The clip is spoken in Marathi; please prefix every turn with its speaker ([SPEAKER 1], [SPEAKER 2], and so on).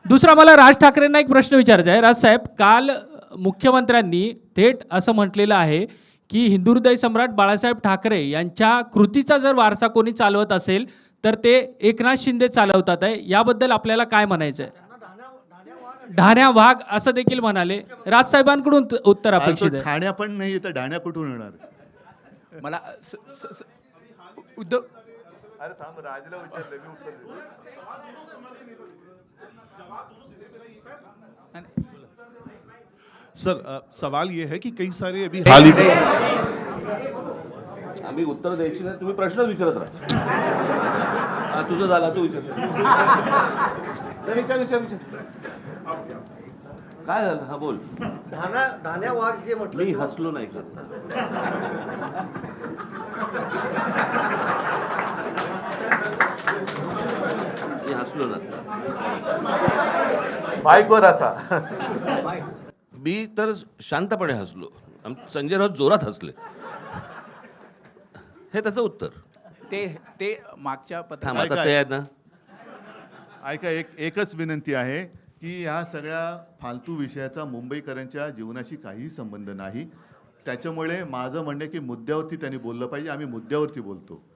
[SPEAKER 1] दुसरा मला राज ठाकरेंना एक प्रश्न विचारायचा आहे. राज साहेब, काल मुख्यमंत्र्यांनी थेट असं म्हटलेलं आहे की हिंदुहृदय सम्राट बाळासाहेब ठाकरे यांच्या कृतीचा जर वारसा कोणी चालवत असेल तर ते एकनाथ शिंदे चालवतात आहे. याबद्दल आपल्याला काय म्हणायचं आहे? ढाण्या वाघ असं देखील म्हणाले. राजसाहेबांकडून उत्तर
[SPEAKER 2] आज तो
[SPEAKER 1] अपेक्षित आहे.
[SPEAKER 2] ठाण्या पण नाही तर ढाण्या कुठून येणार?
[SPEAKER 3] मला उद्धव
[SPEAKER 2] अरे थांब, राजला विचारलं मी उत्तर देतो.
[SPEAKER 4] सर सवाल ये है कि कई सारे अभी हाल ही में
[SPEAKER 5] आम्ही उत्तर द्यायची नाही, तुम्ही प्रश्न विचारत राहा. तुझं झाला, तू विचार. विचार विचार विचार. काय झालं? हा बोल.
[SPEAKER 6] धान्या वाघ जे म्हटलं
[SPEAKER 5] मी हसलो नाही करत. मी हसलो ना.
[SPEAKER 2] बाईकवर असा.
[SPEAKER 5] मी तर शांतपणे हसलो. संजय राऊत जोरात हसले. हे त्याचं उत्तर.
[SPEAKER 3] ते मागच्या
[SPEAKER 5] थांब, आता ते आहे ना.
[SPEAKER 2] ऐका, एकच विनंती आहे की ह्या सगळ्या फालतू विषयाचा मुंबईकरांच्या जीवनाशी काहीही संबंध नाही. त्याच्यामुळे माझं म्हणणं आहे की मुद्द्यावरती त्यांनी बोललं पाहिजे. आम्ही मुद्द्यावरती बोलतो.